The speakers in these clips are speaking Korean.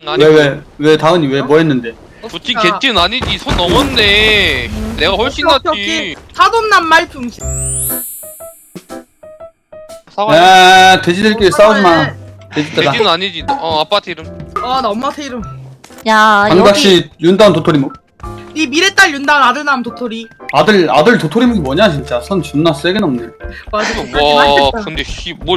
왜 다은이 왜 뭐 했는데? 부친 개찐 아니지. 손 넘었네. 내가 훨씬 낫지. 사돈난 말풍신. 사과. 야 돼지들끼리 싸우지 마. 돼지들아. 개찐 아니지. 아빠한테 이름. 나 엄마한테 이름. 야 여기 반갑시 윤다운 도토리묵. 네 미래딸 윤단 아들남 도토리. 아들 도토리묵이 뭐냐 진짜. 선 존나 세게 넘네. 맞아. 와 근데 뭘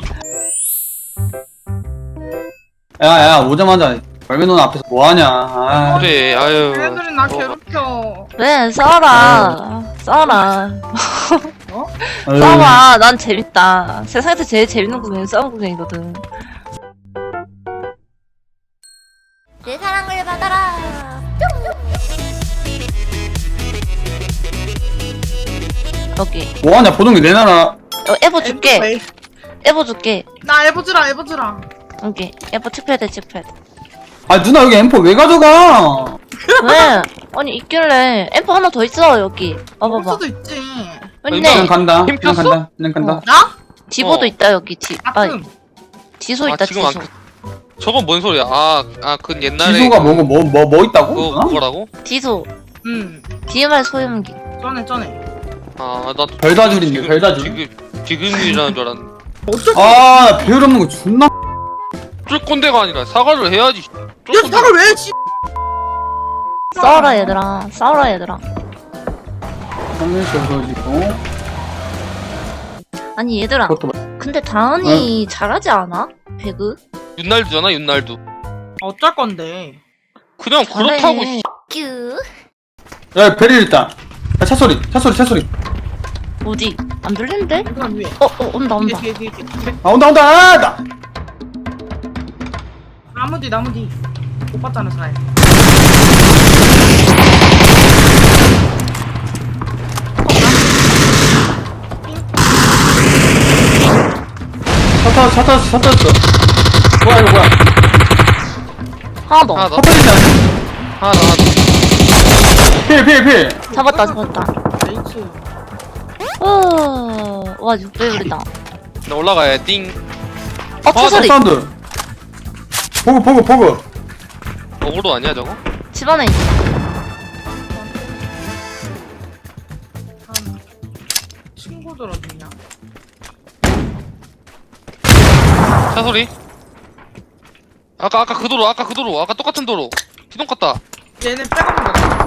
야야 오자마자 벌매 누나 앞에서 뭐하냐. 아. 그래. 아유. 애들이 나 괴롭혀. 왜 싸워라 싸워라 아유. 싸워. 난 재밌다. 세상에서 제일 재밌는 구경이 싸움 구경이거든. 내 사랑을 받아라. 여기 뭐하냐 보동이 내놔라. 에보 줄게. 에보 줄게. 나 에버즈라. 여기 에보 칙패드. 아 누나 여기 M4 왜 가져가? 왜? 아니 있길래 앰프 하나 더 있어 여기. 올 봐봐봐. 수도 있지. 그냥 있네. 간다. 힘 그냥 폈어? 간다. 그냥 간다. 나? 디보도 있다 여기. 아픔. 지소 아 있다 지금 지소. 저건 뭔 소리야? 그 옛날에 지소가 뭐 있다고? 그거 누나? 그거라고? 디소. 응. DMR 소염기. 전에. 나 별다줄인데 별다줄. 지금이라는 줄 알았는데. 어쩌지? 아 배율 없는 거 존나. 쫄 꼰대가 아니라 사과를 해야지. 쫄 얘 꼰대. 사과 왜 씨? 싸워라 얘들아. 싸워라 얘들아. 상면시 없어지고. 아니 얘들아. 그것도 근데 다은이 잘하지 않아? 배그? 윤날두잖아 윤날두. 어쩔 건데? 그냥 그렇다고. 잘해. 큐. 야 베릴 있다. 야 차 소리. 어디? 안 들리는데? 이건 위에. 온다. 뒤에. 아 온다. 아, 나. 나무 뒤. 못 봤잖아 잘. 차 터졌어. 뭐야 이거 뭐야? 하나 더. 하나 더. 차 터지지 않아? 하나 더. 필. 잡았다. 레이츠. 와 6배율이다. 나 올라가야 띵. 차소리. 사운드. 보고. 어그로 아니야 저거? 집안에 있어. 친구들 어디냐? 차 소리. 아까 그 도로. 아까 똑같은 도로. 기동 갔다. 얘네 빼가는 거다.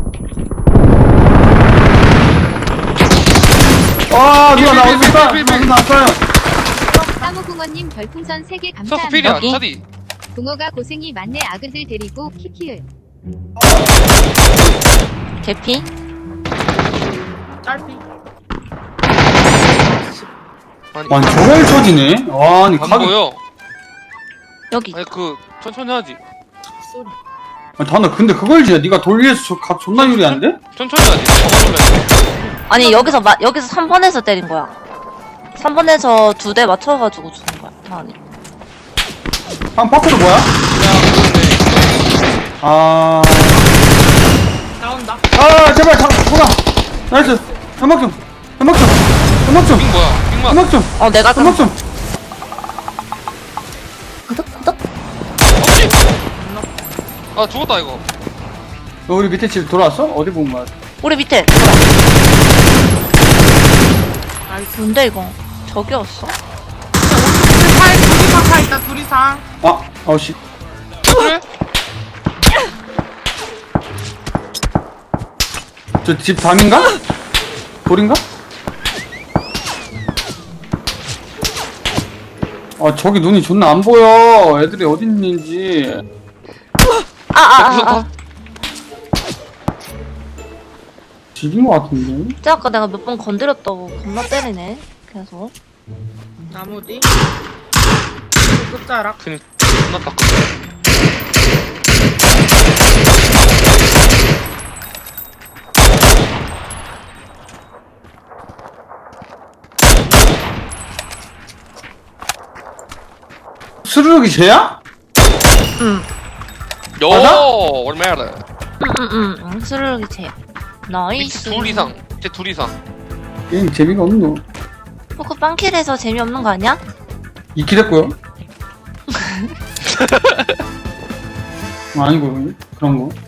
아 누나 나 어디 있어? 필. 누나 왔어요. 사무궁원님 별풍선 3개 서스 감사합니다. 필이야. 여기? 차디. 붕어가 고생이 많네. 아그들 데리고 키키을. 개피. 짧이. 아니 저걸 쳐지네. 아니 안 가게. 보여. 여기. 아니 천천히 하지. 소리. 아니 다나 근데 그걸 지야. 네가 돌 위에서 각 존나 유리한데? 천천히 하지. 저만 올래. 아니 여기서 3번에서 때린 거야. 3번에서 2대 맞춰가지고 죽은 거야. 다은이. 한 파크도 뭐야? 야 그런데. 아 나온다. 제발 잠깐만. 나이스. 연막 좀. 빙 뭐야? 빙만. 내가 연막 좀. 구독. 없지? 죽었다 이거. 너 우리 밑에 집 돌아왔어? 어디 본 거야? 우리 밑에. 뭔데 이거? 저기였어? 둘이상 차 있다. 둘이상. 아우씨. 그래? 저 집 담인가? 돌인가? 저기 눈이 존나 안 보여. 애들이 어디 있는지. 집인 것 같은데? 진짜 아까 내가 몇 번 건드렸다고 겁나 때리네. 계속. 나무 뒤. 끝자락. 그냥 존나 딱. 스르륵이 쟤야? 맞아? 얼마야? 응. 스르륵이 제. 밑에 나이스. 둘 이상. 밑에 둘 이상. 게임 재미가 없노. 포크 빵킬해서 재미없는 거 아니야? 이키 됐고요. 아니고 그런 거.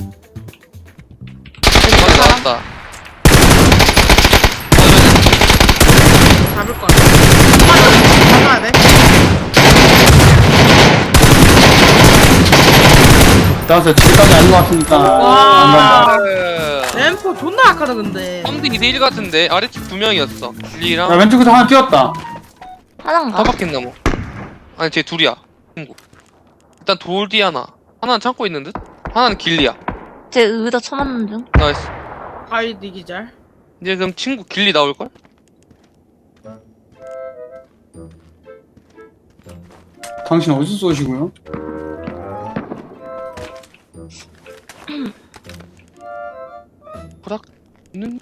나왔다. 잡을 거 같아. 잡아야 돼. 나와서 집까지 아닌 것 같으니까 와. 안 간다. 램프 존나 약하다 근데. 3대 2대1 같은데 아래쪽 2명이었어. 길리랑 야 왼쪽에서 하나 뛰었다. 하나인가? 타박했나 뭐. 아니 쟤 둘이야. 친구. 일단 돌 뒤 하나. 하나는 참고 있는 듯? 하나는 길리야. 제 의자 쳐맞는 중. 나이스. 가이드 기절. 이제 그럼 친구 길리 나올걸? 당신 어디서 쏘시고요? 보락는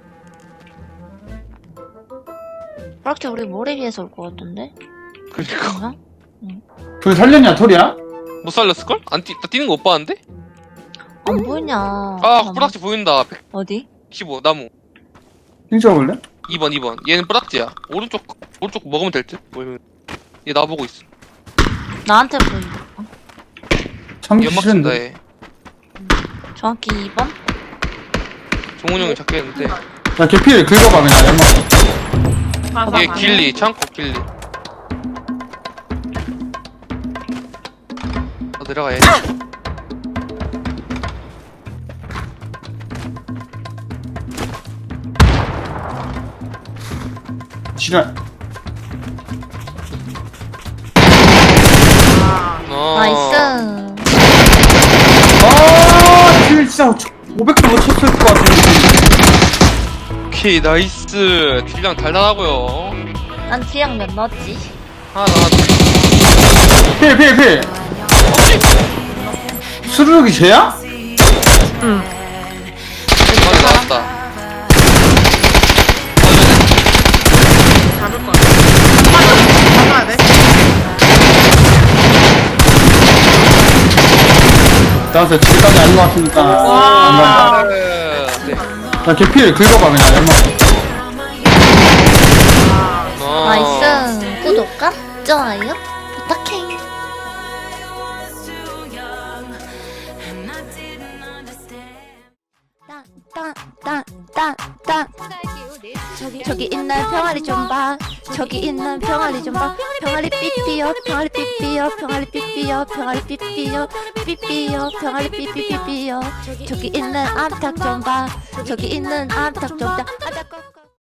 그렇게 우리 모래 위에서 올 것 같던데? 그러니까 그냥? 그걸 살렸냐 톨이야? 못 살렸을걸? 안 뛰, 나 뛰는 거 못 봤는데? 안 보이냐. 아 뿌락지 보인다. 어디? 115 나무. 핑 찍어볼래? 2번 얘는 뿌락지야. 오른쪽 먹으면 될 듯? 보이면 얘 나보고 있어. 나한테 보인다. 참기 연막 쓴다 싫은데. 얘. 정확히 2번? 종훈 형이 잡겠는데 야 개필 긁어봐 그냥 연막. 가사 얘 가네. 길리 창고 길리. 내려가 얘. 지랄. 아, 어. 나이스. 딜 진짜 500도 못 쳤을 것 같은데. 오케이 나이스. 딜량 달달하고요. 난 기억 몇 넣었지? 하나 나왔다. 필. 수르륵이 쟤야? 맞아 나왔다. 잡을 거 같아. 잡아야 돼. 나와서 집까지 아닌 것 같으니까 안 간다. 네. 야 개필 긁어봐 그냥 연막. 나이스. 구독과 좋아요 부탁해. 땅땅땅땅땅 저기 있는 병아리 좀 봐. 저기 있는 병아리 좀 봐. 병아리 삐삐요 병아리 삐삐요 병아리 삐삐요 병아리 삐삐요 삐삐요 병아리 삐삐삐삐요 저기 있는 암탉 좀 봐. 저기 있는 암탉 좀 봐.